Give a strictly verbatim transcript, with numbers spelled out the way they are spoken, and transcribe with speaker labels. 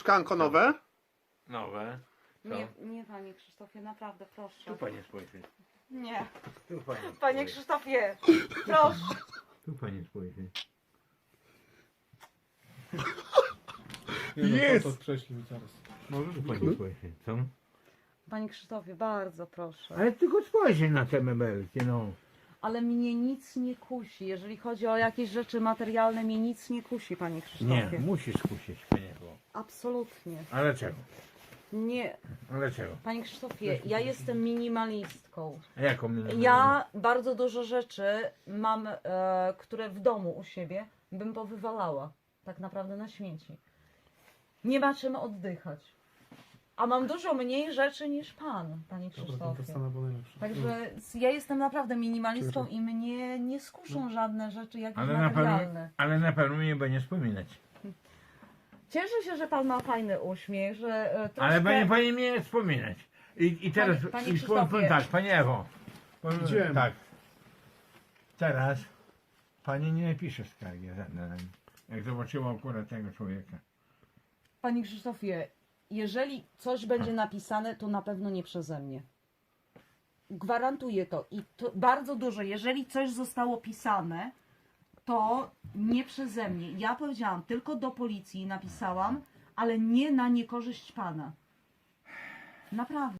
Speaker 1: Szklanko nowe?
Speaker 2: Nowe. Co?
Speaker 3: Nie, nie panie Krzysztofie, naprawdę proszę.
Speaker 2: Tu panie spojrzy.
Speaker 3: Nie.
Speaker 2: Tu panie
Speaker 3: Panie
Speaker 2: spojrzy.
Speaker 3: Krzysztofie, proszę.
Speaker 2: Tu panie spojrzy.
Speaker 4: Nie no,
Speaker 1: Jest!
Speaker 4: to, to prześlij zaraz.
Speaker 2: Może tu panie spojrzy. Co?
Speaker 3: Panie Krzysztofie, bardzo proszę.
Speaker 2: Ale tylko spojrzy na te mebelki, no.
Speaker 3: Ale mnie nic nie kusi. Jeżeli chodzi o jakieś rzeczy materialne, mnie nic nie kusi, panie
Speaker 2: Nie,
Speaker 3: Krzysztofie.
Speaker 2: musisz kusić, panie było.
Speaker 3: Absolutnie.
Speaker 2: Ale czego?
Speaker 3: Nie.
Speaker 2: Ale czego?
Speaker 3: Panie Krzysztofie, ja jestem minimalistką.
Speaker 2: A jaką mi...
Speaker 3: Ja bardzo dużo rzeczy mam, e, które w domu u siebie bym powywalała. Tak naprawdę na śmieci. Nie ma czym oddychać. A mam dużo mniej rzeczy niż pan, panie
Speaker 4: Dobra, to
Speaker 3: Krzysztofie.
Speaker 4: dostanę, bo najlepsze.
Speaker 3: Także ja jestem naprawdę minimalistką i mnie nie skuszą żadne rzeczy jakieś
Speaker 2: Ale na, pewno,
Speaker 3: materialne.
Speaker 2: ale na pewno nie będzie wspominać.
Speaker 3: Cieszę się, że pan ma fajny uśmiech, że e, troszkę...
Speaker 2: Ale panie, panie mnie nie wspominać. I, i teraz
Speaker 3: Panie- panie
Speaker 2: i powiem, powiem
Speaker 3: Krzysztofie.
Speaker 2: tak, panie Ewo. Powiem,
Speaker 4: Idziemy.
Speaker 2: tak. Teraz pani nie napisze skargi żadnej na mnie, jak zobaczyła akurat tego człowieka.
Speaker 3: Panie Krzysztofie, jeżeli coś będzie napisane, to na pewno nie przeze mnie. Gwarantuję to. I to bardzo dużo. Jeżeli coś zostało pisane, to nie przeze mnie. Ja powiedziałam, tylko do policji napisałam, ale nie na niekorzyść pana. Naprawdę.